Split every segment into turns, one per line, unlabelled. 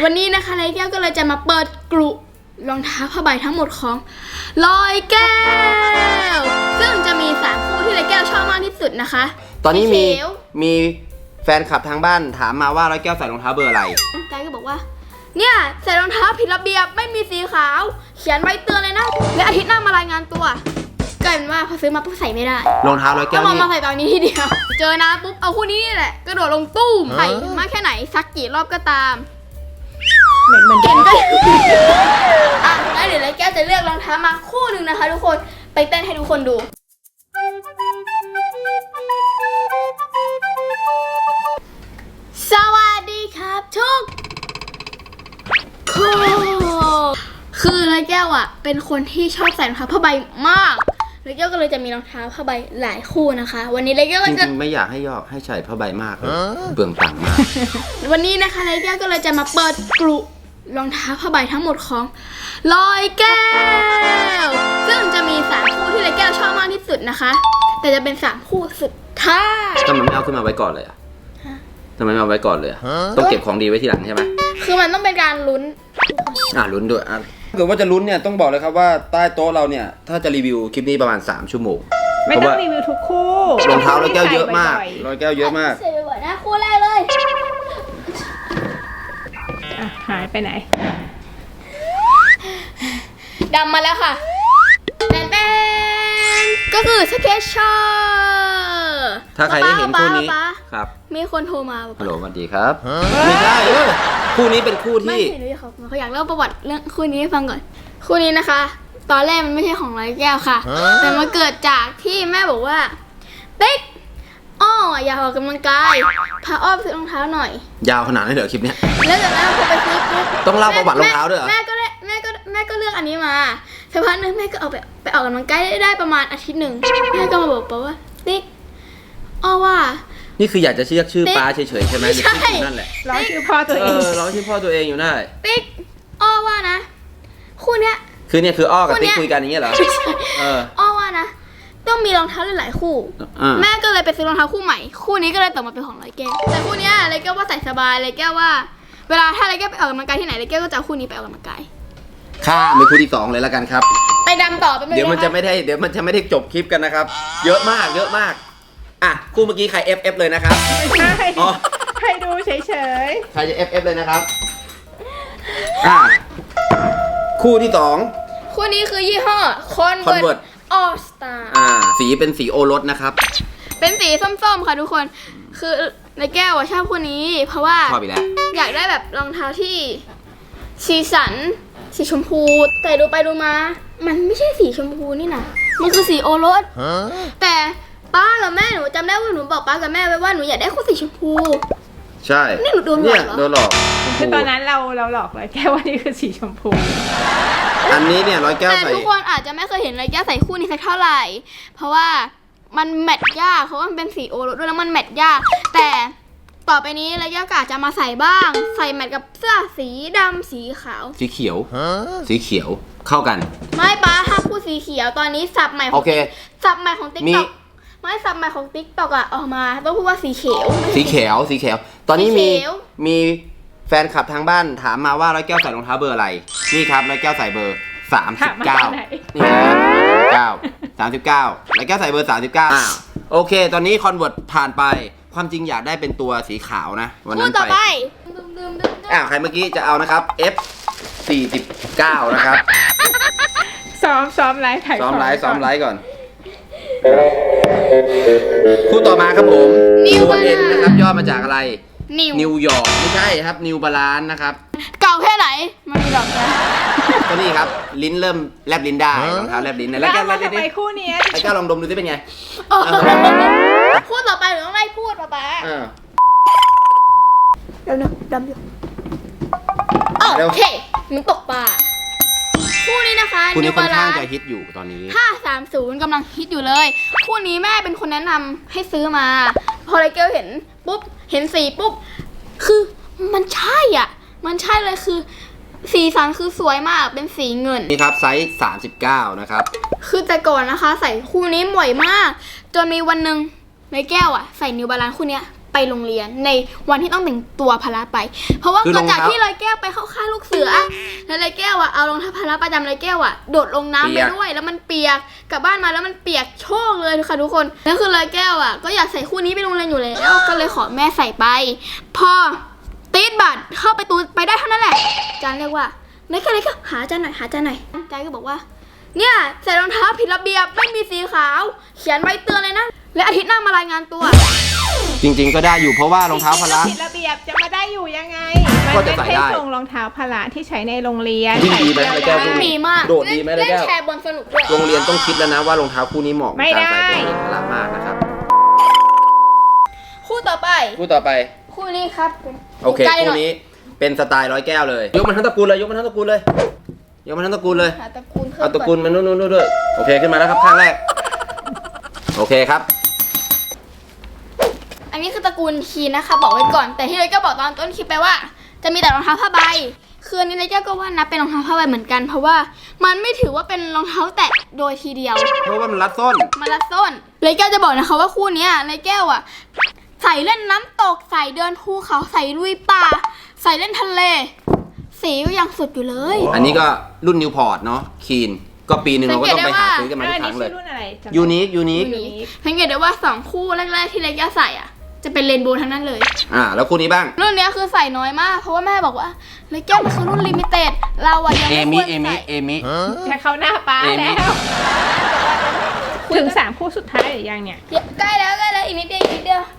วันนี้นะคะไรแก้วก็เลยจะมาเปิดกลุ่มรองเท้าผ้าใบทั้งหมดของลอยแก้วซึ่งจะมี3คู่ที่ไรแก้วชอบมากที่สุดนะคะ
ตอนนี้มีแฟนคลับทางบ้านถามมาว่าร้อยแก้วใส่รองเท้าเบอร์อะไร
ใจก็บอกว่าเนี่ยใส่รองเท้าผิดระเบียบไม่มีสีขาวเขียนไว้เตือนเลยนะและอาทิตย์หน้ามารายงานตัวกลายเป็นว่าพอซื้อมาปุ๊บใส่ไม่ได้
รองเท้าร้อยแก้ว
นี่มาใส่ตอนนี้ทีเดียวเจอนะปุ๊บเอาคู่นี้นี่แหละกระโดดลงตู้มใส่มากแค่ไหนสักกี่รอบก็ตาม
เหมือน
เก่งก็อ่ะงั้นเดี๋ยวไรแก้วจะเลือกรองเท้ามาคู่หนึ่งนะคะทุกคนไปเต้นให้ทุกคนดูสวัสดีครับทุกคนคือไรแก้วอ่ะเป็นคนที่ชอบใส่รองเท้าผ้าใบมากไรแก้วก็เลยจะมีรองเท้าผ้าใบหลายคู่นะคะวันนี้ไรแก้วก็จะ
จริงๆไม่อยากให้ใส่ผ้าใบมากเลยเปลืองตังค์มาก
วันนี้นะคะไรแก้วก็เลยจะมาเปิดกลุ่มรองเท้าผ้าใบทั้งหมดของลอยแก้วซึ่งจะมี3คู่ที่ไรแก้วชอบมากที่สุดนะคะแต่จะเป็น3คู่สุดท้าย
ทำไมไม่เอาขึ้นมาไว้ก่อนเลยอ่ะทำไมไม่เอาไว้ก่อนเลยต้องเก็บของดีไว้ทีหลังใช่ไหม
คือมันต้องเป็นการลุ้น
ลุ้นด้วยถ้าเกิดว่าจะลุ้นเนี่ยต้องบอกเลยครับว่าใต้โต๊ะเราเนี่ยถ้าจะรีวิวคลิปนี้ประมาณ3 ชั่วโมง
ไม่ต้องรีวิวทุกคู่
รองเท้าร้อยแก้วเยอะมากร้อยแก้วเยอะมาก
ใส่บ่อยๆนะคู่แรกเลย
หายไปไหน
ดำมาแล้วค่ะแป้งก็คือสเก็ตชอร์
ถ้าใครได้เห็นคู่นี้ครับ
มีคนโทรมา
ฮัลโหลสวัสดีครับไม่ใช่คู่นี้เป็นคู่ที่
เขาอยากเล่าประวัติเรื่องคู่นี้ให้ฟังก่อนคู่นี้นะคะตอนแรกมันไม่ใช่ของร้อยแก้วค่ะแต่มาเกิดจากที่แม่บอกว่าติ๊กอยากออกกำลังกายพาอ้อมซื้อรองเท้าหน่อย
ยาวขนาดนี้เหรอคลิปเนี้ย
แล้วจากนั้นพอไปซื้อปุ๊บ
ต้องเล่าประวัติรองเท้าด้วยเหรอ
แม่ก็เลือกอันนี้มาสักพักนึงแม่ก็เอาไปออกกำลังกายได้ประมาณอาทิตย์หนึ่งแม่ก็มาบอกว่าติ๊กว่า
นี่คืออยากจะเรียกชื่อป้าเฉยๆใช่ไหม
ใช่
นั่นแหละ
ร้องชื่อพ่อตัวเอง
ร้องชื่อพ่อตัวเองอยู่ได้
ติ๊กว่านะคู่เนี้ย
คือเนี่ยคือกับติ๊กคุยกันอย่างเงี้ยเหรอ
ว่านะต้องมีรองเท้าหลายคู่แม่ก็เลยไปซื้อรองเท้าคู่ใหม่คู่นี้ก็เลยตกมาเป็นของร้อยแก้วแต่คู่นี้ร้อยแก้วว่าใส่สบายร้อยแก้วว่าเวลาถ้าร้อยแก้วไปออกกำลังกายที่ไหนร้อยแก้วก็จะเอาคู่นี้ไปออกกำลังกาย
ข้ามไปคู่ที่2เลยแล้วกันครับ
ไปดำต่อไป
เดี๋ยวมันจะไม่ได้จบคลิปกันนะครับเยอะมากคู่เมื่อกี้ใคร FF เลยนะครับ
ไม่ใช่ให้ดูเฉย
ๆใครจะ FF เลยนะครับคู่ที่2
คู่นี้คือยี่ห้อ Converse All Star
สีเป็นสีโอรสนะครับ
เป็นสีส้มๆค่ะทุกคนคือในแก้วชอบคู่นี้เพราะว่า
ชอบอีกแล้ว
อยากได้แบบรองเท้าที่สีสันสีชมพูแต่ดูไปดูมามันไม่ใช่สีชมพูนี่นะมันคือสีโอรสแต่ป้ากับแม่หนูจำได้ว่าหนูบอกป้ากับแม่ไว้ว่าหนูอยากได้คู่สีชมพู
ใช่
นี่หนูโดนหลอกเหรอ
โดนหลอก
คือตอนนั้นเราหลอกเลยแก้วว่านี่คือสีชมพู
อันนี้เนี่ยร้อยแก้วใส่
แต่ทุกคนอาจจะไม่เคยเห็นร้อยแก้วใส่คู่นี้สักเท่าไหร่เพราะว่ามันแมทยากเพราะว่ามันเป็นสีโอรสด้วยแล้วมันแมทยากแต่ต่อไปนี้ร้อยแก้วก็อาจจะมาใส่บ้างใส่แมทกับเสื้อสีดำสีขาว
สีเขียวเข้ากัน
ไม่ป้าถ้าคู่สีเขียวตอนนี้สับใหม่
โอเค
สับใหม่ของติ๊กต็อกไม่สับใหม่ของติ๊กต็อกออกมาต้องพูดว่าสีเขียว
ตอนนี้มีแฟนคลับทางบ้านถามมาว่าร้อยแก้วใส่รองเท้าเบอร์อะไรนี่ครับร้อยแก้วใส่เบอร์39นี่นะ39ร้อยแก้วใส่เบอร์39โอเคตอนนี้คอนเวิร์ตผ่านไปความจริงอยากได้เป็นตัวสีขาวนะวันนั้นไปใครเมื่อกี้จะเอานะครับ F49นะครับ
ซ้อมไลฟ์
ซ้อมไลฟ์ก่อนคู่ต่อมาครับผมตัวเอ็นนะครับย่อมาจากอะไรนิวยอร์กไม่ใช่ครับนิวบาลานซ์นะครับ
เก่าแค่ไหนมันมีดอกนะ
ก็นี่ครับลิ้นเริ่มแลบลิ้นได้รองเท้าแลบลิ้นแล้วแก้ว
ไปคู่นี้
ไอ้แก้วลองดมดูสิเป็นไง
พูดต่อไปหรือต้องไล่พูดป่ะเดี๋ยวนะดำอยู่โอเคมึงตกปลาคู่นี้นะคะ
คู่นี้ค่อนข้างจะฮิตอยู่ตอนนี้
530กำลังฮิตอยู่เลยคู่นี้แม่เป็นคนแนะนำให้ซื้อมาพอไรเกลเห็นปุ๊บเห็นสีปุ๊บคือมันใช่มันใช่เลยคือสีสันคือสวยมากเป็นสีเงิน
นี่ครับไซส์39นะครับ
คือแต่ก่อนนะคะใส่คู่นี้บ่อยมากจนมีวันหนึ่งไรแก้วใส่นิวบาลานซ์คู่นี้ไปโรงเรียนในวันที่ต้องแต่งตัวพละไป เพราะว่า
คือ
เกิ
ร
ด
อง
จาก
เท้า
ที่ลอยแก้วไปเข้าค่ายลูกเสือแล้วลอยแก้วอ่ะเอารองเท้าพละประจำลอยแก้วอ่ะโดดลงน้ำไปด้วยแล้วมันเปียกกลับบ้านมาแล้วมันเปียกโชกเลยค่ะทุกคนแล้วคือลอยแก้วอ่ะก็อยากใส่คู่นี้ไปโรงเรียนอยู่แล้วก็เลยขอแม่ใส่ไปพอตีดบัตรเข้าไปตูไปได้เท่านั้นแหละอาจารย์เรียกว่าไม่แค่เลยก็หาอาจารย์หน่อยหาอาจารย์หน่อยอาจารย์ก็บอกว่าเนี่ยใส่รองเท้าผิดระเบียบไม่มีสีขาวเขียนใบเตือนเลยนะและอาทิตย์หน้ามารายงานตัว
จริงๆก็ได้อยู่เพราะว่ารองเท้าพละ
ผิดระเบียบจะมาได้อยู่ยังไง
ก็
มัน
จะ
ไม่
ใส่
ใช่
ได้
ทรงรองเท้าพละที่ใช้ในโรงเรียน
วิ่งดีไหม
ใส่
แล้วแก้ว
เที่ยว
ไม่
ได้
มีมาก
โดดดีไหมแล้ว
เล่น
แก้ว
แชร์บอลสนุกด้วย
โรงเรียนต้องคิดแล้วนะว่ารองเท้าคู่นี้เหมาะกับ
ไม่
การใส่
ได้
ตัวพละมากนะครับ
คู่ต่อไป
คู่ต่อไป
คู่นี้ครับ
โอเค
ใกล้ห
คู่
น่อย
นี้เป็นสไตล์ร้อยแก้วเลยยกมันทั้งตระกูลเลยยกมันทั้งตระกูลเลยยกมันทั้งตระกูลเลย
หาตระกูลเพิ่ม
เอาตระ
ก่
กู
อ
ล
น
มานู่นด้วยโอเคขึ้นมาแล้วครับข้างแรกโอเคครับ
อันนี้คือตระกูลคีนนะคะบอกไว้ก่อน แต่ที่เลยก็บอกตอนต้นคลิปไปว่า จะมีแต่รองเท้าผ้าใบคืออันนี้เลยก็ว่านับเป็นรองเท้าผ้าใบเหมือนกัน เพราะว่ามันไม่ถือว่าเป็นรองเท้าแตะโดยทีเดียว
เพราะว่ามันรัดส้น
มาลัดส้นเลยแก้วจะบอกนะคะว่าคู่เนี้ยเลยแก้วอ่ะใส่เล่นน้ำตกใส่เดินภูเขาใส่ลุยป่าใส่เล่นทะเลสีก็ยังสุดอยู่เลย
อันนี้ก็รุ่นนิวพอร์ตเนาะคีนก็ปีหนึ่งเราก็ต้องไปหาซื้อกันมาทุกครั้งเลย
อันนี้ชื่อรุ่นอะไรจำได้
ยูนิค
สังเกตได้ว่า2คู่แรกๆที่เลยแก้วใส่อ่ะจะเป็นเรนโบว์ทั้งนั้นเลย
แล้วคู่นี้บ้าง
รุ่นเนี้ยคือใส่น้อยมากเพราะว่าแม่บอกว่าเลยแก้วมันคือรุ่นลิมิเต็ดเราอะยัง
เอ
ไม่
มิ
ควรใส่
จะเข้าหน้าป้า
เอมิ
แล้ว ถึง3คู่สุดท้ายหรือยังเนี่ย
ใกล้แล้วอีกนิดเดียวอีกนิดเดียว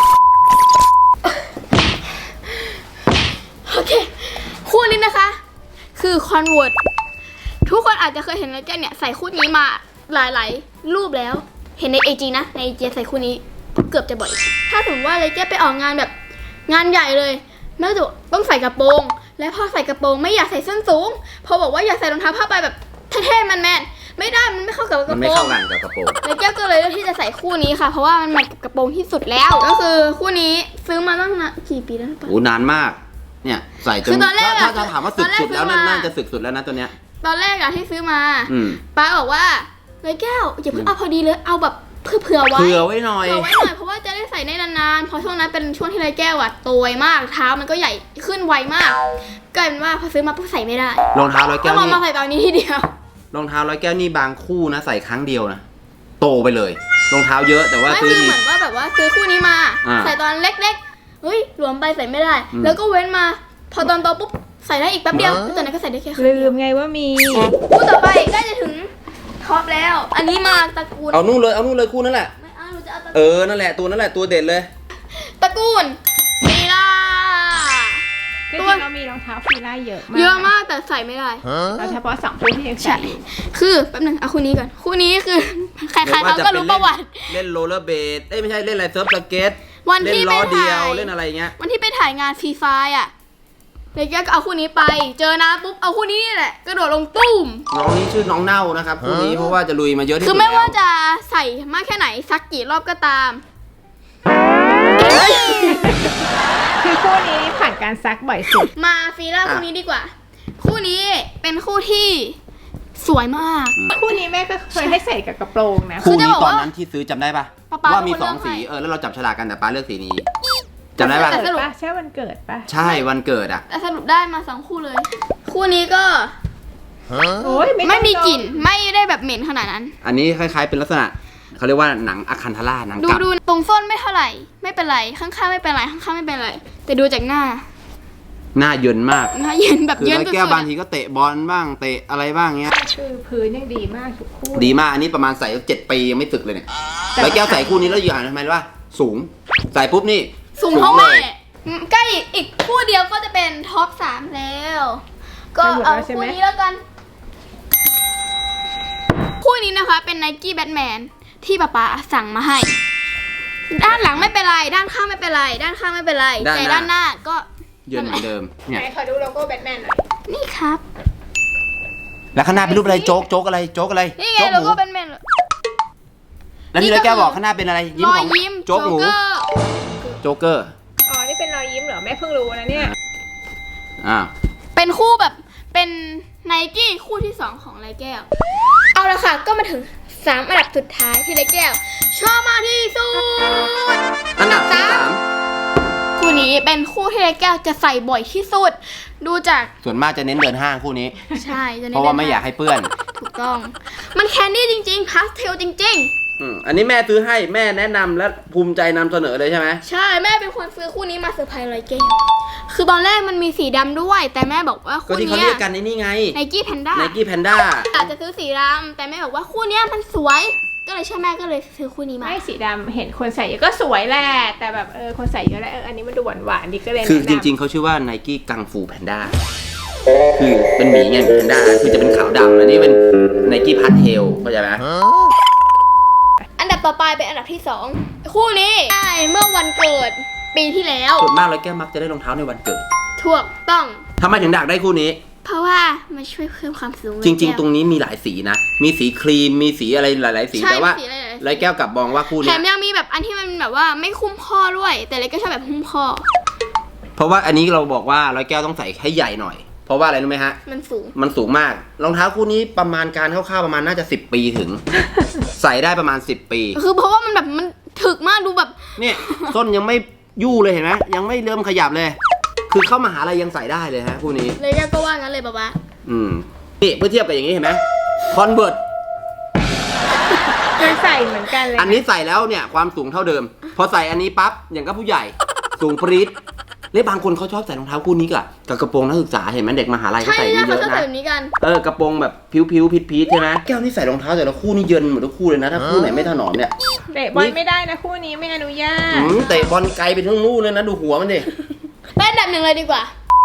โอเคคู่นี้นะคะ คือคอนเวิร์ตทุกคนอาจจะเคยเห็นเลยแก้วเนี่ยใส่คู่นี้มาหลายๆรูปแล้วเห็นใน AG นะใน AG ใส่คู่นี้เกือบจะบ่อยถ้าสมมติว่าเลยแก้วไปออกงานแบบงานใหญ่เลยแม่จะต้องใส่กระโปรง และพอใส่กระโปรงไม่อยากใส่ส้นสูงพอบอกว่าอยากใส่รองเท้าผ้าใบแบบเท่ๆแมนๆไม่ได้มันไม่เข้ากับก
มัน
ระ
ไม่
โปร
เข้าง กันกับกระโปรง
แล้วแก้วก็เลยเลือกที่จะใส่คู่นี้ค่ะ เพราะว่ามันแมทกับกระโปรงที่สุดแล้ว ก็คือคู่นี้ซื้อมาตั้งนานกี่ปีแล้วนะปะ
โอ้นานมากเนี่ยใส่จ
คื
น
อตอนแรกอะ
ถ้าจะถามว่าสึกสุดแล้ว
ตอนแรกซื้อมา
น่าจะสึกสุดแล้วนะตัวเนี้ย
ตอนแรกอะที่ซื้อมา
อืม
ป้าบอกว่าเลยแก้วอย่าเพิ่งเอาพอดีเลยเอาแบบเผื่อไว้
เผื่อไว้หน่อย
เผื่อไว้หน่อยเพราะว่าจะได้ใส่ได้นานๆเพราะช่วงนั้นเป็นช่วงที่เลยแก้วอะโตวมากเท้ามันก็ใหญ่ขึ้นไวมากกลายเป็นว่าพอซื้อมาปุ๊บใส่ไม่ได้
รองเท้าร้อย
ต้
แก้
อง
ว
ลอง
นี่
มาใส่ตอนนี้ทีเดียว
รองเท้าร้อยแก้วนี่บางคู่นะใส่ครั้งเดียวนะโตไปเลยรองเท้าเยอะแต่ว่า
ไม่
ซื้อ
คือ
ที
เหมือนว่าแบบว่าซื้อคู่นี้มา
อ่า
ใส่ตอนเล็กๆเฮ้ยหลวมไปใส่ไม่ได้
อืม
แล้วก็เว้นมา พอตอนโตปุ๊บใส่ได้อีกแป๊บเดียวแล้วตอนนั้นก็ใส่ได้แค่ครั้ง
ลื
เดียว
มไงว่ามี
คู่ต่อไปใกล้จะถึงท็อปแล้ว อันนี้มาตระกูล
เอานู่นเลยคู่นั่นแหละ
ไม่เอาหนูจะเอาตระ
เอ
กูล
อนั่นแหละตัวเด็ดเลย
ตระกูลฟีล่า
จริงๆเรามีรองเท้าฟีล่าเยอะมาก
เยอะมากแต่ใส่ไม่ได้
เราเฉพาะ2คู่ที่ยังใส่อยู่
คือแป๊บนึงเอาคู่นี้ก่อนคู่นี้คือใครๆเขาก็รู้ประวัติ
เล่นโรลเลอร์เบดไม่ใช่เล่นอะไรเซิร์ฟสเก็ต
วัน
เล่น
ที่
ล้
ไป
อเดียว
ถ่าย
เล่นอะไรเงี้ย
วันที่ไปถ่ายงานฟรีไฟอ่ะเลยก็เอาคู่นี้ไป เจอนะปุ๊บเอาคู่นี้นี่แหละกระโดดลงตุ้ม
น้องนี้ชื่อน้องเน่านะครับคู่นี้เพราะว่าจะลุยมาเยอะที่
คื
สุ
อ
ด
ไม่ว่า
แล้ว
จะใส่มากแค่ไหนสักกี่รอบก็ตาม
คือคู่นี้ผ่านการซักบ่อยสุด
มาฟีล่าคู่นี้ดีกว่า คู่นี้เป็นคู่ที่สวยมาก
คู่นี้แม่ก็เคยให้ใส่กับกระโปรงนะ
คื
คู่
อจะ
นี้
บอก
ตอน
ว่า
นั้นที่ซื้อจำได้ปะ
ป๊า
ว่ามี
เป็นคน
2 สี
เลือกให้
แล้วเราจับฉลากกันแต่ป้าเลือกสีนี้จำได้ปะ
แต่สรุป
ใช่วันเกิดปะ
ใช่วันเกิดอ่ะ
แต่สรุปได้มา2คู่เลย คู่นี้ก็
โอ้ย
ไม่มีกลิ่นไม่ได้แบบเหม็นขนาดนั้น
อันนี้คล้ายๆเป็นลักษณะเขาเรียกว่าหนังอะคันธาราหนัง
ดู
กลับ
ดูตรงส้นไม่เท่าไหร่ ไม่เป็นไรข้างๆไม่เป็นไรข้างๆไม่เป็นไร แต่ดูจากหน้า
หน้าเยินมาก
หน้าเย็นแบบ
คือ
เย็น
ร้อย
สุด
แก้ว
ๆ
บาง
อะ
ทีก็เตะบอลบ้างเตะอะไรบ้างเงี้ย
คือพื้นยังดีมากทุกคู่
ดีมากอันนี้ประมาณใส่7 ปียังไม่สึกเลยเนี่ย
แต่
ร้อยแก้วใส่คู่นี้แล้วอยู่อ่านทำไมรู้ว่าสูงใส่ปุ๊บนี่
สูงเท่าแม่
เลย
ใกล้อีกคู่เดียวก็จะเป็นท็อป3แล้ว ก็เอาคู่นี้แล้วกัน คู่นี้นะคะเป็น Nike Batman ที่ป๊าป๊าสั่งมาให้ ด้านหลังไม่เป็นไร ด้านข้างไม่เป็นไร ด้านข้างไม่เป็นไร แต่ด้านหน้าก็
เยินเหมือนเดิมเนี่ย
ไหนขอดูโลโก้แบทแมนหน่อย
นี่ครับ
แล้วข้างหน้าเป็นรูปอะไรโจ๊กอะไร
นี่ไง
โจ๊กห
โล
มู
โก้Batman
แล้วที่ร้อยแก้วบอกข้างหน้าเป็นอะไรยิ้ม
รอ
ข
ย
อง
ยิ้ม
โจ๊กหมู
เกอร์
โจ๊กเกอร์
อ๋อ นี่เป็นรอยยิ้มเหรอ แม่เพิ่งรู้นะเนี่ย
อ่า
เป็นคู่แบบเป็น Nike คู่ที่ 2 ของไรแก้ว เอาละค่ะ ก็มาถึง 3 อันดับสุดท้ายที่ไรแก้ว ชอบมากที่สุด
อันดับที่
3 คู่นี้เป็นคู่ที่แก้วจะใส่บ่อยที่สุด ดูจาก
ส่วนมากจะเน้นเดินห้างคู่นี้
ใช่จะ
เพราะว่าไม่อยากให้เปื้อน
ถูกต้อง มันแคนดี้จริงๆพาสเทลจริง
อันนี้แม่ซื้อให้แม่แนะนำและภูมิใจนำเสนอเลยใช่ไหม
ๆ ใช่แม่เป็นคนซื้อคู่นี้มาเซอร์ไพรส์ร้อยแก้วคือตอนแรกมันมีสีดำด้วย แต่แม่บอกว่า
ก็
คู่
ที่เขา
เนี้
เรี
ย
ยกกันในนี่ไง
ไนกี้แพนด้า
ไนกี้แพนด้า
อาจจะซื้อสีดำแต่แม่บอกว่าคู่เนี้ยมันสวย ก็เลยเชื่อแม่ก็เลยซื้อคู่นี้มา
ไม่สีดำเห็นคนใส่เยอะก็สวยแหละแต่แบบคนใส่เยอะแล้วอันนี้มันดูหวานๆดีก็เลย
คือ
แนะ
จ
นำ
ริงๆเขาชื่อว่าไนกี้กังฟูแพนด้าคือเป็นหมีไงแพนด้าคือจะเป็นขาวดำอันนี้เป็นไนกี้พาสเทลเข้าใจไหม
อันดับต่อไปเป็นอันดับที่ 2 คู่นี้ได้เมื่อวันเกิดปีที่แล้ว
ส่วนมากร้อยแก้วมักจะได้รองเท้าในวันเกิด
ถูกต้อง
ทำไมถึงดักได้คู่นี้
เพราะว่ามันช่วยเพิ่มความสูง
จริง ๆ ตรงนี้มีหลายสีนะ มีสีครีม มีสีอะไรหลาย ๆ สี
ใช่
แต่ว่า
สีอะไรๆ
ร้อยแก้วกลับมองว่าคู่
แถ
เนี้ย
มยังมีแบบอันที่มันแบบว่าไม่คุ้มข้อด้วย แต่เล็กก็ชอบแบบคุ้มข้อ
เพราะว่าอันนี้เราบอกว่าร้อยแก้วต้องใส่ให้ใหญ่หน่อย เพราะว่าอะไรรู้ไหมฮะ
มันสูง
มันสูงมาก รองเท้าคู่นี้ประมาณการคร่าวๆประมาณน่าจะ10 ปีถึง ใส่ได้ประมาณ10 ปี
คือเพราะว่ามันแบบมันถึกมากดูแบบ
เนี่ยส้นยังไม่ยู่เลยเห็นไหมยังไม่เริ่มขยับเลย คือเข้ามหาลัยยังใส่ได้เลยฮะคู่นี้
เลยก็ว่างั้นเลยป๊า
นี่เพื่อเทียบกับอย่างนี้เห็นไหมคอนเวิร์ต
มันใส่เหมือนกันเลย
อันนี้ใส่แล้วเนี่ยความสูงเท่าเดิม พอใส่อันนี้ปั๊บอย่างกับผู้ใหญ่ สูงปรี๊ดและบางคนเขาชอบใส่รองเท้าคู่นี้กับกระโปรงนักศึกษาเห็นไหมเด็กมหาลัย
ๆ
เขา
ใช่
ใส่
ใช่
นี่เย
เขา
อะ
ชอบ
นะ
ใส่แบบนี้กัน
กระโปรงแบบผิวๆพีทๆใช่ไหมแก้วนี่ใส่รองเท้าแต่ละคู่นี่เยินหมดทุกคู่เลยนะถ้าคู่ไหนไม่ถนอมเนี่ย
เตะบอลไม่ได้นะคู่นี้ไม่อนุญาต
เตะบอลไกลไปทั้งนู่นเลยนะดูหัวมันดิ
ไปอันดับ 1เลยดีกว่า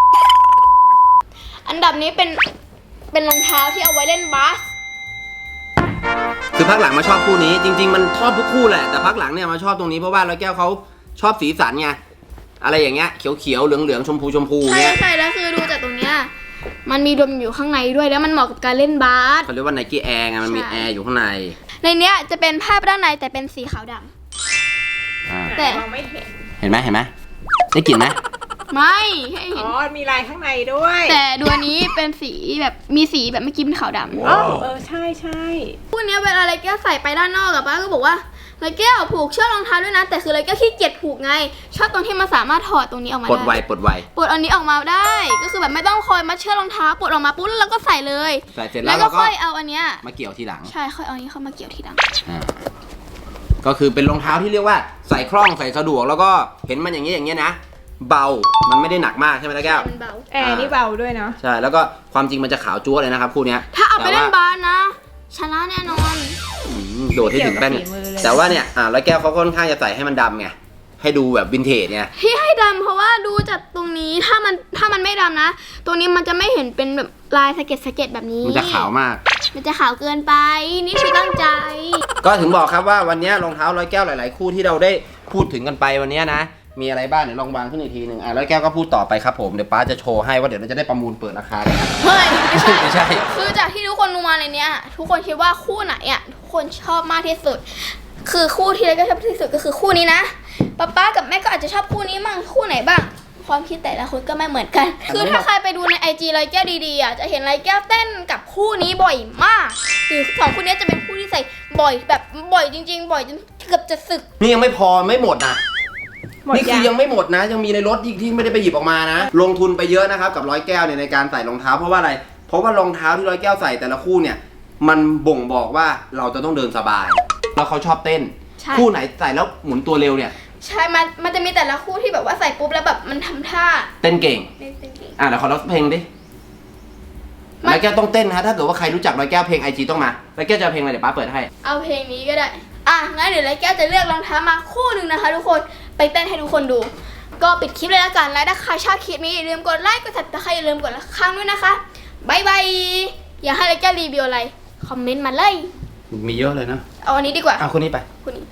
อันดับนี้เป็นรองเท้าที่เอาไว้เล่นบาส
คือพักหลังมาชอบคู่นี้ จริง ๆ มันชอบทุกคู่แหละแต่พักหลังเนี่ยมาชอบตรงนี้เพราะว่าร้อยแก้วเขาชอบสีสันไงอะไรอย่างเงี้ยเขียวๆเหลืองๆชมพู
ใช่
เงี้ย
ใช่แล้วคือดูจากตรงเนี้ยมันมีดมอยู่ข้างในด้วยแล้วมันเหมาะกับการเล่นบาส
เขาเรียกว่าไนกี้แอร์ไงมันมี
ใช่
แอร์อยู่ข้างใน
ในเนี้ยจะเป็นภาพด้านในแต่เป็นสีขาวดำ แต่
มองไม่เห็น
เห็นไหมได้กลิ่นไหม
ไม่ให้เห็
อ๋
น
อมีลายข้างในด้วย
แต่ดูอันนี้เป็นสีแบบมีสีแบบเมื่อกี้เป็นขาวดำ
อ๋อใช่ใช่
คู่เนี้ยเวลาไรแก้วใส่ไปด้านนอกกับป้าก็บอกว่าไรแก้วผูกเชือกรองเท้าด้วยนะแต่คือไรแก้วขี้เกียจผูกไงชอบตรงที่มันสามารถถอดตรงนี้ออกมา
ปลดไว
ได้
ปลดไว
ปลดอันนี้ออกมาได้ ก็คือแบบไม่ต้องคอยมัดเชือกรองเท้าปลดออกมาปุ๊บแล้วเราก็ใส่เลย
ใส่เสร็จ
แล้
แล้ว ว
ก็
เราก็
ค่อยเอาอันเนี้ย
มาเกี่ยวทีหลัง
ใช่ค่อยเอาอันนี้เข้ามาเกี่ยวทีหลัง
ก็คือเป็นรองเท้าที่เรียกว่าใส่คล่องใส่สะดวกแล้วก็เห็นมันอย่างเงี้ยนะ เบามันไม่ได้หนักมากใช่ไหมล่ะแก้ว
มันเบา
แอร์นี่เบาด้วยเนาะ
ใช่แล้วก็ความจริงมันจะขาวจั๊วเลยนะครับคู่เนี้ย
ถ้าเอาไป
แต่
เล่
ว่
นบาสนะ ชนะแน่นอน
โดดให้ถึงแป้นแต่ว่าเนี่ยร้อยแก้วเขาค่อนข้างจะใส่ให้มันดำไงให้ดูแบบวินเทจไง
ที่ให้ดำเพราะว่าดูจากตรงนี้ถ้ามันไม่ดำนะ ตรงนี้มันจะไม่เห็นเป็นแบบลายสะเก็ดแบบนี้
มันจะขาวมาก
มันจะขาวเกินไปนี่คือตั้งใจ
ก็ถึงบอกครับว่าวันนี้รองเท้าร้อยแก้วหลาย ๆ คู่ที่เราได้พูดถึงกันไปวันนี้นะ มีอะไรบ้างเดี๋ยวลองวางขึ้นอีกทีหนึ่งร้อยแก้วก็พูดต่อไปครับผมเดี๋ยวป้าจะโชว์ให้ว่าเดี๋ยวเราจะได้ประมูลเปิดราคากันนะ
เฮ้ยไม่ใช่
ไม่ใช่
คือจากที่ทุกคนดูมาในเนี้ย ทุกคนคิดว่าคู่ไหนอ่ะทุกคนชอบมากที่สุด คือคู่ที่เล็กก็ชอบที่สุดก็คือคู่นี้นะป๊ากับแม่ก็อาจจะชอบคู่นี้มั่งคู่ไหนบ้าง ความคิดแต่ละคนก็ไม่เหมือนกัน คือถ้าใครไปดูใน IG ไรแก้วดีๆอ่ะจะเห็นไรแก้วเต้นกับคู่นี้บ่อยมากคือสองคู่นี้จะเป็นคู่ที่ใส่บ่อยแบบบ่อยจริงๆ บ่อยจนเกือบจะสึก
นี่ยังไม่พอไม่หมดนะ
หมด
นี่คื
ยั
อง ยังไม่หมดนะ ยังมีในรถอีกที่ไม่ได้ไปหยิบออกมานะ ลงทุนไปเยอะนะครับกับร้อยแก้วเนี่ยในการใส่รองเท้าเพราะว่าอะไร เพราะว่ารองเท้าที่ร้อยแก้วใส่แต่ละคู่เนี่ย มันบ่งบอกว่าเราจะต้องเดินสบาย แล้วเขาชอบเต้น
ใช่
คู่ไหนใส่แล้วหมุนตัวเร็วเนี่ย
ใช่มันจะมีแต่ละคู่ที่แบบว่าใส่ปุ๊บแล้วแบบมันทำท่า
เต้นเก่ง
เต้นเก่ง
เดี๋ยวขอร้องเพลงดิร้อยแก้วต้องเต้นนะถ้าเกิดว่าใครรู้จักร้อยแก้วเพลง IG ต้องมาร้อยแก้วจะเอาเพลงอะไรเดี๋ยวป้าเปิดให้
เอาเพลงนี้ก็ได้ งั้นเดี๋ยวไรแก้วจะเลือกรองเท้ามาคู่หนึ่งนะคะทุกคน ไปเต้นให้ทุกคนดู ก็ปิดคลิปเลยละกัน และถ้าใครชอบคลิปนี้อย่าลืมกดไลค์ กดติดตามอย่าลืมกดละครั้งด้วยนะคะบายบาย อยากให้ไรแก้วรีวิวอะไร คอมเมนต์มาเลย
มีเยอะเลยนะ
เอาอันนี้ดีกว่า
เอาคนนี้ไป
คู่นี้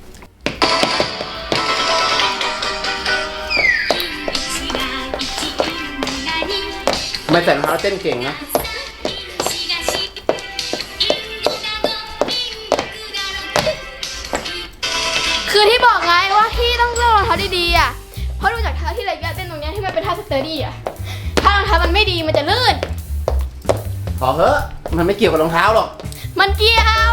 ไม่ใส่รองเท้าเต้นเก่งนะ
คือที่บอกไงว่าที่ต้องเลือกรองเท้าดีๆอ่ะ เพราะดูจากเท้าที่ไรแก้วเต้นตรงเนี้ยที่มันเป็นท่าสเตอร์ดี้อ่ะ ถ้ารองเท้ามันไม่ดีมันจะลื่น
พอเหอะมันไม่เกี่ยวกับรองเท้าหรอก
มันเกี่ยว